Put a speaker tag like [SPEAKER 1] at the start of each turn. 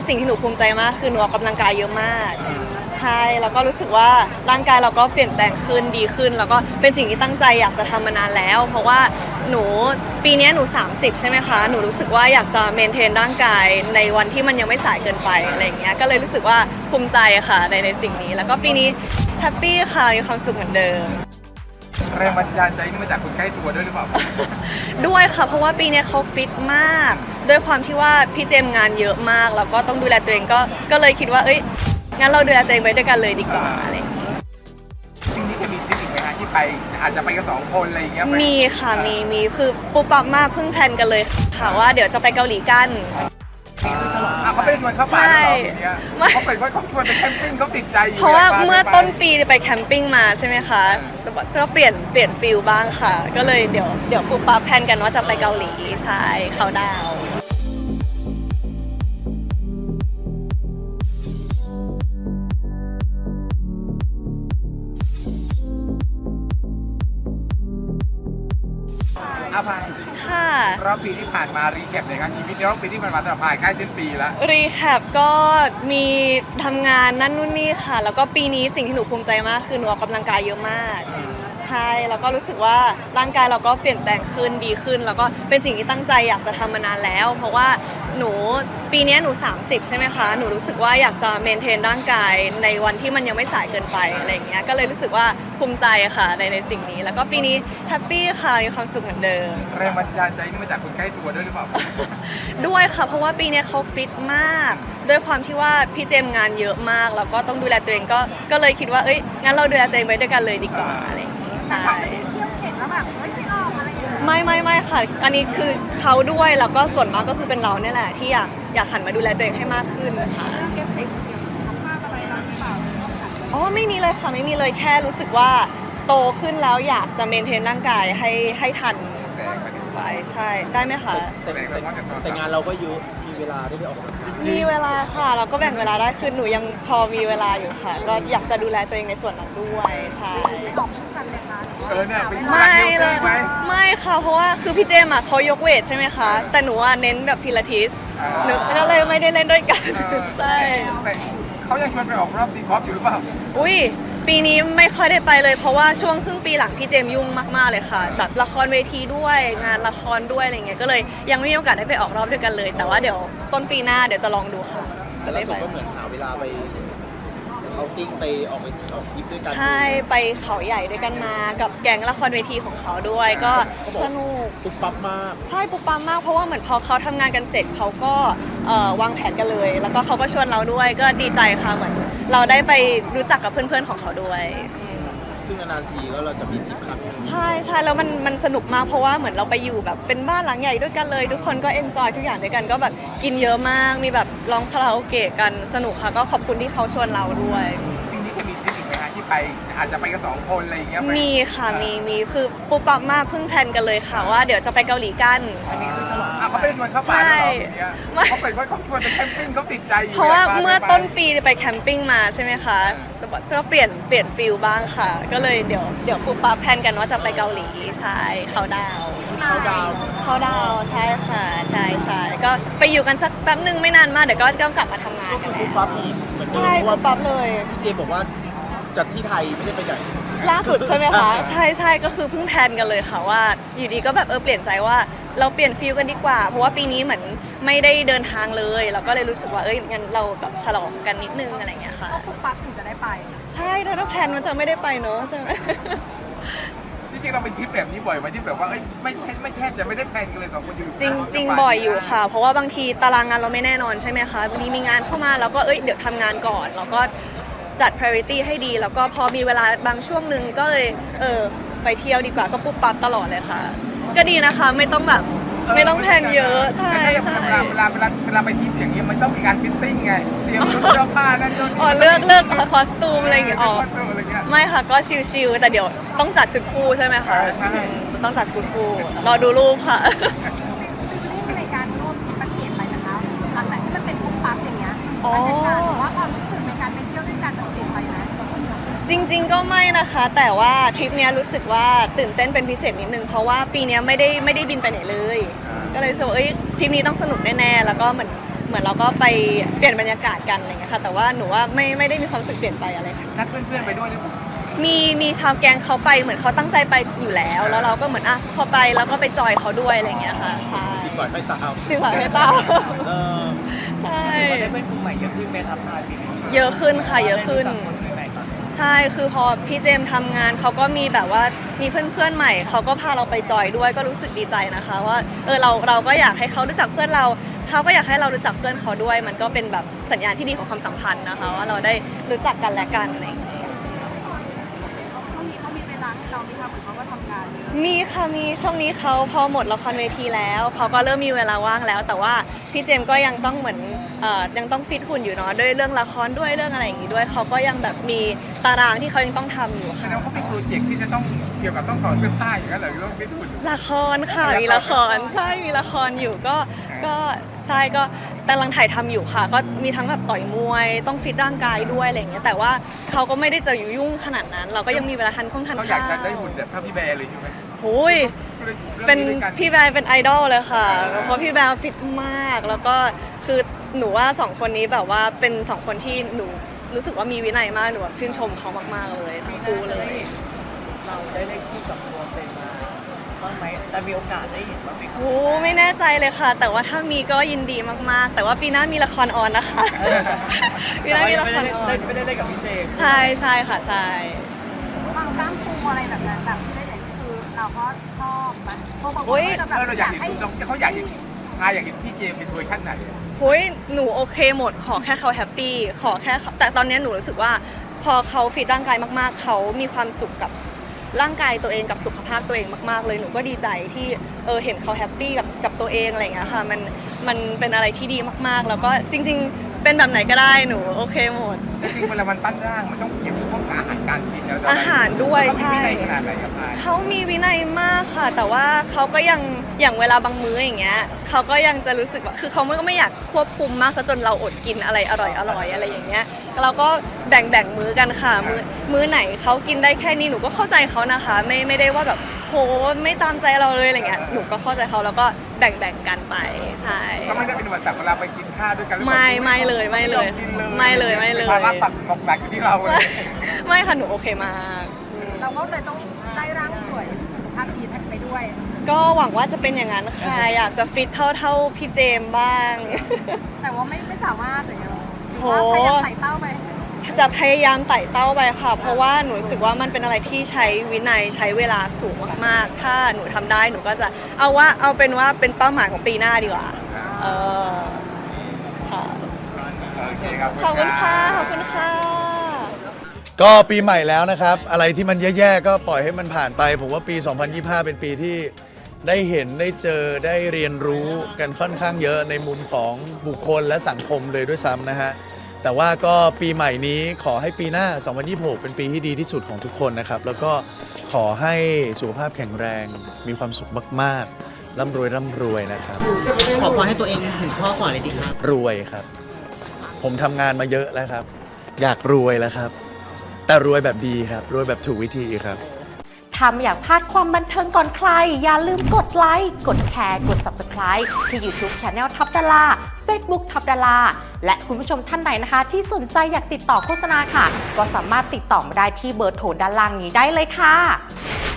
[SPEAKER 1] สิ่งที่หนูภูมิใจมากคือหนูออกกำลังกายเยอะมากใช่แล้วก็รู้สึกว่าร่างกายเราก็เปลี่ยนแปลงขึ้นดีขึ้นแล้วก็เป็นสิ่งที่ตั้งใจอยากจะทำมานานแล้ว เพราะว่าหนูปีนี้หนู30ใช่ไหมคะหนูรู้สึกว่าอยากจะเมนเทนร่างกายในวันที่มันยังไม่สายเกินไปอะไรอย่างเงี้ยก็เลยรู้สึกว่าภูมิใจค่ะในสิ่งนี้แล้วก็ปีนี้แฮปปี้ค่ะมีความสุขเหมือนเดิม
[SPEAKER 2] แรงบันดาลใจนี่มาจากคนใกล้ตัวด้วยหรือเปล่า
[SPEAKER 1] ด้วยค่ะเพราะว่าปีนี้เขาฟิตมากด้วยความที่ว่าพี่เจมส์งานเยอะมากแล้วก็ต้องดูแลตัวเองก็เลยคิดว่าเอ้ยงั้นเราดูแลตัวเองไปด้วยกันเลยดีกว่าอะไรอย่างเงี้ย
[SPEAKER 2] จริงๆนี่จะมีทริปอีกไหมฮะที่ไปอาจจะไปกัน2 คนอะไรอย่างเงี้ยไป
[SPEAKER 1] มีค่ะมีคือปุ๊บปั๊บมากเพิ่งแพลนกันเลยค่ะว่าเดี๋ยวจะไปเกาหลีกัน
[SPEAKER 2] เขาไม่ได้ชวนเข้าป่าหรออย่างเงี้ย
[SPEAKER 1] ไม่
[SPEAKER 2] เขาเป็นว่าเขาชวนไปแคมปิ้งเขาติดใจอยู่
[SPEAKER 1] เพราะว่า
[SPEAKER 2] อยกพ
[SPEAKER 1] เมื่อ
[SPEAKER 2] ไป
[SPEAKER 1] ต้นปีไปแคมปิ้งมาใช่ไหมคะก็เปลี่ยนฟิลบ้างค่ะ ก็เลยเดี๋ยวปุ๊บปั๊บแพลนกันว่าจะไปเกาหลีใช่เขาดาวน์
[SPEAKER 2] อาภาย
[SPEAKER 1] ค่ะ
[SPEAKER 2] รอบปีที่ผ่านมารีแคปหน่อยครับชีวิตในรอบปีที่ผ่านมาสำหรับพายใกล้สิ้นปีแล้ว
[SPEAKER 1] รีแคปก็มีทำงานนั่นนู่นนี่ค่ะ แล้วก็ปีนี้สิ่งที่หนูภูมิใจมากคือหนูออกกำลังกายเยอะมากใช่แล้วก็รู้สึกว่าร่างกายเราก็เปลี่ยนแปลงขึ้นดีขึ้น แล้วก็เป็นสิ่งที่ตั้งใจอยากจะทำมานานแล้ว เพราะว่าหนูปีนี้หนู30ใช่ไหมคะหนูรู้สึกว่าอยากจะเมนเทนร่างกายในวันที่มันยังไม่สายเกินไปอะไรอย่างเงี้ยก็เลยรู้สึกว่าภูมิใจค่ะในสิ่งนี้ แล้วก็ปีนี้แฮปปี้ค่ะมีความสุขเหมือนเดิม
[SPEAKER 2] แรงบันดาลใจนี่มาจากคนใกล้ตัวด้วยหรือเปล่า
[SPEAKER 1] ด้วยค่ะเพราะว่าปีนี้เขาฟิตมากด้วยความที่ว่าพี่เจมส์งานเยอะมากแล้วก็ต้องดูแลตัวเองก็เลยคิดว่าเอ้ยงั้นเราดูแลตัวเองไปด้วยกันเลยดีกว่าอะไรอย่างเงี้ยใช่
[SPEAKER 3] ไม่ได้เที่ยวเข็ดแล้วแบบเฮ้ยไม่ออกอะไรอย่างเงี้ย
[SPEAKER 1] ไม่ค่ะ อันนี้คือเขาด้วยแล้วก็ส่วนมากก็คือเป็นเราเนี่ยแหละที่อยากหันมาดูแลตัวเองให้มากขึ้นค่ะ
[SPEAKER 3] เรื่องเอฟเฟกต์เกี่ยวกับสุขภาพอะไรเราหรือเปล่าต้องหัด
[SPEAKER 1] อ๋อไม่มีเลยค่ะไม่มีเลยแค่รู้สึกว่าโตขึ้นแล้วอยากจะเมนเทนร่างกายให้ทัน
[SPEAKER 2] แสงไปถึง
[SPEAKER 1] ไปใช่ได้ไหมคะ
[SPEAKER 4] แต่งานเราก็เยอะมีเวลาได้ไปออกกำลังกาย
[SPEAKER 1] มีเวลาค่ะเราก็แบ่งเวลาได้คือหนูยังพอมีเวลาอยู่ค่ะ ก็อยากจะดูแลตัวเองในส่วนนั้นด้วยใช่
[SPEAKER 3] ไปออกคู่กันเลยคะหรือว่า
[SPEAKER 2] เนี่ยเป็น
[SPEAKER 1] ไม่เลย
[SPEAKER 2] ไหม
[SPEAKER 1] ไม่ค่ะเพราะว่าคือพี่เจมส์อะเขายกเวทใช่ไหมคะแต่หนูอะเน้นแบบพิลาทิสหนูก็เลยไม่ได้เล่นด้วยกันใช่
[SPEAKER 2] แต่เขายังชวนไปออกรอบดีกอล์ฟอยู่หรือเปล่า
[SPEAKER 1] อุ้ยปีนี้ไม่ค่อยได้ไปเลยเพราะว่าช่วงครึ่งปีหลังพี่เจมส์ยุ่งมากๆเลยค่ะแบบละครเวทีด้วยงานละครด้วยอะไรเงี้ยก็เลยยังไม่มีโอกาสได้ไปออกรอบด้วยกันเลย แต่ว่าเดี๋ยวต้นปีหน้าเดี๋ยวจะลองดูค่ะ
[SPEAKER 4] แต่ล่าสุดก็เหมือนหาเวลาไปเอาติ้งไปออกทริปด้วยกัน
[SPEAKER 1] ใช่ไปเขาใหญ่ด้วยกันมากับแก๊งละครเวทีของเขาด้วยก็สนุก
[SPEAKER 4] ปุ๊บปั๊บมาก
[SPEAKER 1] ใช่ปุ๊บปั๊มมากเพราะว่าเหมือนพอเขาทำงานกันเสร็จเขาก็วางแผนกันเลย แล้วก็เขาก็ชวนเราด้วยก็ดีใจค่ะเหมือนเราได้ไปรู้จักกับเพื่อนๆของเขาด้วย
[SPEAKER 4] ซึ่งนานๆทีก็เราจะมีทริปครั้งหนึง
[SPEAKER 1] ใช่แล้วมันสนุกมากเพราะว่าเหมือนเราไปอยู่แบบเป็นบ้านหลังใหญ่ด้วยกันเลย ทุกคนก็เอนจอยทุกอย่างด้วยกันก็แบบกินเยอะมากมีแบบร้องคาราโอเกะกันสนุกค่ะก็ขอบคุณที่เขาชวนเราด้วย
[SPEAKER 2] ปีนี้จะมีทริปอีกไหมฮะที่ไปอาจจะไปกัน2 คนอะไรอย่างเงี้ยไป
[SPEAKER 1] มีค่ะมีคือปุ๊บปั๊บมากเพิ่งแพลนกันเลยค่ะว่าเดี๋ยวจะไปเกาหลีกัน
[SPEAKER 2] เขาไม่ได้ชวนเข้าป่าหรออย่างเงี้ย
[SPEAKER 1] ไม่
[SPEAKER 2] เขาเป็นว่าเขาชวนไปแคมปิ้งเขาติดใจอยู่
[SPEAKER 1] เพราะว่า
[SPEAKER 2] อยกพ
[SPEAKER 1] เมื่อ
[SPEAKER 2] ไป
[SPEAKER 1] ต้นปีไปแคมปิ้งมาใช่ไหมคะก็เปลี่ยนฟิลบ้างค่ะ ก็เลยเดี๋ยวปุ๊บปั๊บแพลนกันว่าจะไปเกาหลีใช่เขาดาวน์
[SPEAKER 4] เขาดาวน์
[SPEAKER 1] เขาดาวน์ใช่ค่ะใช่ก็ไปอยู่กันสักแป๊บนึงไม่นานมากเดี๋ยวก็กลับมาทำงาน
[SPEAKER 4] ก็
[SPEAKER 1] กั
[SPEAKER 4] คื
[SPEAKER 1] น
[SPEAKER 4] อปุ๊บ
[SPEAKER 1] แล้ว
[SPEAKER 4] ปั๊บอีกเหมือนเดิม
[SPEAKER 1] ใช่
[SPEAKER 4] เพราะ
[SPEAKER 1] ปุ๊
[SPEAKER 4] ว่า
[SPEAKER 1] บปั๊บเลย
[SPEAKER 4] พี่เจบอกว่าจัดที่ไทยไม่ได้ไปไหน
[SPEAKER 1] ล่าสุดใช่ไหมคะใช่ก็คือเพิ่งแพลนกันเลยค่ะว่าอยู่ดีก็แบบเปลี่ยนใจว่าเราเปลี่ยนฟิลกันดีกว่า เพราะว่าปีนี้เหมือนไม่ได้เดินทางเลยเราก็เลยรู้สึกว่างั้นเราแบบฉลองกันนิดนึงอะไรอย่างเงี้ยค่ะ
[SPEAKER 3] ต้องปุ๊บปั๊บถึงจะได้ไป
[SPEAKER 1] ใช่ถ้าแพลนมันจะไม่ได้ไปเนอะใช่ไหม
[SPEAKER 2] จริงๆเราเป็นทริปแบบนี้บ่อยไหมที่แบบว่าไม่แทบจะไม่ได้แพลนกันเลย2 คนอยู่
[SPEAKER 1] จริงบ่อยอยู่ค่ะ เพราะว่าบางทีตารางงานเราไม่แน่นอนใช่ไหมคะบางทีมีงานเข้ามาแล้วก็เดี๋ยวทำงานก่อนแล้วก็จัด priority ให้ดี แล้วก็พอมีเวลาบางช่วงหนึ่งก็เลยไปเที่ยวดีกว่าก็ปุ๊บปั๊บตลอดเลยค่ะ ก็ดีนะคะไม่ต้องแบบไม่ต้องแพลนเยอะใช่
[SPEAKER 2] แต่
[SPEAKER 1] ใช่
[SPEAKER 2] เวลาไปทริปอย่างนี้มันต้องมีการฟิตติ้งไงเตรียมชุดเสื้อผ้านั่นนู่นนี่
[SPEAKER 1] อ๋อเลือกคอสตูมอะไรอย่างเงี้ยอ๋อ
[SPEAKER 2] อะไรเงี้ย
[SPEAKER 1] ไม่ค่ะก็ชิลๆแต่เดี๋ยวต้องจัดชุดคู่ใช่ไหมคะ
[SPEAKER 2] ใช่
[SPEAKER 1] ต้องจัดชุดคู่รอดูรูปค่ะ
[SPEAKER 3] ที่ในการร่วมมันเปลี่ยนไปนะคะหลังจากที่มันเป็นปุ๊บปั๊บอย่างเงี้ย
[SPEAKER 1] อ๋อ
[SPEAKER 3] บรรยากาศหรือว่าความรู้สึกในการไปเที่ยวด้วยกันมันเปลี่ยนไปไหม
[SPEAKER 1] จริงๆก็ไม่นะคะ แต่ว่าทริปเนี้ยรู้สึกว่าตื่นเต้นเป็นพิเศษนิดนึงเพราะว่าปีเนี้ยไม่ได้บินไปไหนเลย ก็เลยรู้สึกว่าทริปนี้ต้องสนุกแน่ๆแล้วก็เหมือนเหมือนเราก็ไปเปลี่ยนบรรยากาศกันอะไรเงี้ยค่ะแต่ว่าหนูว่าไม่ได้มีความรู้สึกเปลี่ยนไปอะไรค่ะ
[SPEAKER 2] นัดเพื่อนๆไปด้วยหรือเปล่า
[SPEAKER 1] มีชาวแกงเขาไปเหมือนเขาตั้งใจไปอยู่แล้ว แล้วเราก็เหมือนพอไปแล้วก็ไปจอยเขาด้วยอะไรเงี้ยค่ะใช่
[SPEAKER 4] ดีกว่าไม่ตาม
[SPEAKER 1] ดีกว่าไม่ต้อง
[SPEAKER 4] เออ
[SPEAKER 1] ใช่
[SPEAKER 4] ได้เป็นกลุ่มใหม่เยอะขึ้นเมทัพพายปีนี้
[SPEAKER 1] เยอะขึ้นค่ะเยอะขึ้น
[SPEAKER 4] คนใหม่ๆก่อน
[SPEAKER 1] ใช่คือพอพี่เจมส์ทำงานเขาก็มีแบบว่ามีเพื่อนๆใหม่เขาก็พาเราไปจอยด้วยก็รู้สึกดีใจนะคะว่าเราก็อยากให้เขารู้จักเพื่อนเราเขาก็อยากให้เรารู้จักเพื่อนเขาด้วย มันก็เป็นแบบสัญญาณที่ดีของความสัมพันธ์นะคะว่าเราได้รู้จักกันและกันอะไรอย่างเงี้ย
[SPEAKER 3] ช่วงนี้เขามีเวลาให้เราไหมคะเหมือนเขาก็ทำงานเยอะ
[SPEAKER 1] มีค่ะมีช่วงนี้เขาพอหมดละครเวทีแล้วเขาก็เริ่มมีเวลาว่างแล้ว แต่ว่าพี่เจมส์ก็ยังต้องเหมือนยังต้องฟิตหุ่นอยู่เนาะด้วยเรื่องละครด้วยเรื่องอะไรอย่างงี้ด้วยเขาก็ยังแบบมีตารางที่เขายังต้องทำอยู่
[SPEAKER 2] แส
[SPEAKER 1] ค่ะ
[SPEAKER 2] ดงว่าเขาเป็นโปรเจกต์ที่จะต้องเกี่ยวกับต้องต่อเสื้อผ้าอย่างนั้นเหรอหรือว่าเป็นหุ่น
[SPEAKER 1] ละครค่ะมีละครใช่มีละครอยู่ก็ใช่ก็กำลังถ่ายทำอยู่ค่ะ ก็มีทั้งแบบต่อยมวยต้องฟิตร่างกายด้วยอะไรอย่างเงี้ยแต่ว่าเขาก็ไม่ได้จะยุ่งขนาดนั้น เราก็ยังมีเวลาทานข้าว
[SPEAKER 2] เขาอยากจะได้หุ่นแบบเท่าพี่แบร์เลยใช่ไหม
[SPEAKER 1] โอ้ยเป็นพี่แบร์เป็นไอดอลเลยค่ะเพราะพี่แบร์ฟิตมากแล้วก็คือหนูว่าสองคนนี้แบบว่าเป็นสองคนที่หนูรู้สึกว่ามีวินัยมากหนูแบบชื่นชมเขามากๆเลยทั้งคู่เลย
[SPEAKER 4] เราได้เล่นคู่กับตัวเต็มมาบ้างไหมแต่มีโอกาสได้เห็นบ้างไหมครับ
[SPEAKER 1] โอ้ไม่แน่ใจเลยค่ะ แต่ว่าถ้ามีก็ยินดีมากๆ แต่ว่าปีหน้ามีละครออนนะคะ ปีหน้ามีละครออน
[SPEAKER 4] ไม่ได้เล่นกับพี่เจมส์
[SPEAKER 1] ใช่ใช่ค่ะใช่
[SPEAKER 3] บางกล้ามปูอะไรแบบนั้นแบบที่ได้เห็นคือเราก็ชอบมันเพราะบางคนก็จะแบบ
[SPEAKER 2] เราอยากเห็นเขาอยากเห็นอยากเห็นพี่เจมเป็นเวอร์ชันไหน
[SPEAKER 1] โอ้ยหนูโอเคหมดขอแค่เขาแฮปปี้ขอแค่แต่ตอนนี้หนูรู้สึกว่าพอเขาฟิตร่างกายมากๆ เขามีความสุขกับร่างกายตัวเองกับสุขภาพตัวเองมากๆเลยหนูก็ดีใจที่เห็นเขาแฮปปี้กับตัวเองอะไรอย่างเงี้ยค่ะมันเป็นอะไรที่ดีมากๆ แล้วก็จริง ๆ เป็นแบบไหนก็ได้หนูโอเคหมด
[SPEAKER 2] จริงๆเวลามันปั้นร่างมันต้องเกี่ยวข้องกับอาหารการกินแล้ว
[SPEAKER 1] อาหารด้วยใช่
[SPEAKER 2] เขามีวินัยขนาดไหนครับพาย
[SPEAKER 1] เขามีวินัยมากค่ะ แต่ว่าเขาก็ยังอย่างเวลาบางมื้ออย่างเงี้ยเขาก็ยังจะรู้สึกว่าคือเขาก็ไม่อยากควบคุมมากซะจนเราอดกินอะไรอร่อยอะไรอย่างเงี้ยเราก็แบ่งมื้อกันค่ะมื้อไหนเขากินได้แค่นี้หนูก็เข้าใจเขานะคะไม่ได้ว่าแบบโหไม่ตามใจเราเลยอะไรเงี้ยหนูก็เข้าใจเขาแล้วก็แบ่งกันไปใช่
[SPEAKER 2] ก็ไม่ได้เป็นอุปสรรคเวลาไปกินข้าวด้วยกันหรือเปล่า
[SPEAKER 1] ไม่เลยไม่เลยไม่เลย
[SPEAKER 2] ภาระตักหนักอยู่ที่เราเลย
[SPEAKER 1] ไม่ค่ะหนูโอเคมาก
[SPEAKER 3] เราก็เลยต้องได้ร่างสวยภาพดีไปด้วย
[SPEAKER 1] ก็หวังว่าจะเป็นอย่างนั้นค่ะอยากจะฟิตเท่าพี่เจมส์บ้าง
[SPEAKER 3] แต่ว่าไม่สามารถอย่างเงี้ยหรือ
[SPEAKER 1] โห
[SPEAKER 3] ว่าพยายามไต่เต้าไป
[SPEAKER 1] จะพยายามไต่เต้าไปค่ะ เพราะว่าหนูรู้สึกว่ามันเป็นอะไรที่ใช้วินัยใช้เวลาสูงมากๆ ถ้าหนูทำได้หนูก็จะเอาเป็นว่าเป็นเป้าหมายของปีหน้าดีกว่าค่ะ
[SPEAKER 2] โอเคครับ
[SPEAKER 1] ขอบคุณค่ะขอบคุณค่ะ
[SPEAKER 5] ก็ปีใหม่แล้วนะครับ อะไรที่มันแย่ๆก็ปล่อยให้มันผ่านไป ผมว่าปี 2025 เป็นปีที่ได้เห็นได้เจอได้เรียนรู้กันค่อนข้างเยอะในมุมของบุคคลและสังคมเลยด้วยซ้ำนะฮะ แต่ว่าก็ปีใหม่นี้ขอให้ปีหน้า 2026 เป็นปีที่ดีที่สุดของทุกคนนะครับ แล้วก็ขอให้สุขภาพแข็งแรง มีความสุขมากๆร่ำรวยนะครับ
[SPEAKER 6] ขอพรให้ตัวเองถึงข้อก่อนเลยดีครับ
[SPEAKER 5] รวยครับ ผมทำงานมาเยอะแล้วครับ อยากรวยแล้วครับ แต่รวยแบบดีครับ รวยแบบถูกวิธีครับ
[SPEAKER 7] ถ้าไม่อยากพลาดความบันเทิงก่อนใคร อย่าลืมกดไลค์ กดแชร์ กด Subscribe ที่ YouTube Channel ทับดารา Facebook ทับดาราและคุณผู้ชมท่านไหนนะคะ ที่สนใจอยากติดต่อโฆษณาค่ะ ก็สามารถติดต่อมาได้ที่เบอร์โทรด้านล่างนี้ได้เลยค่ะ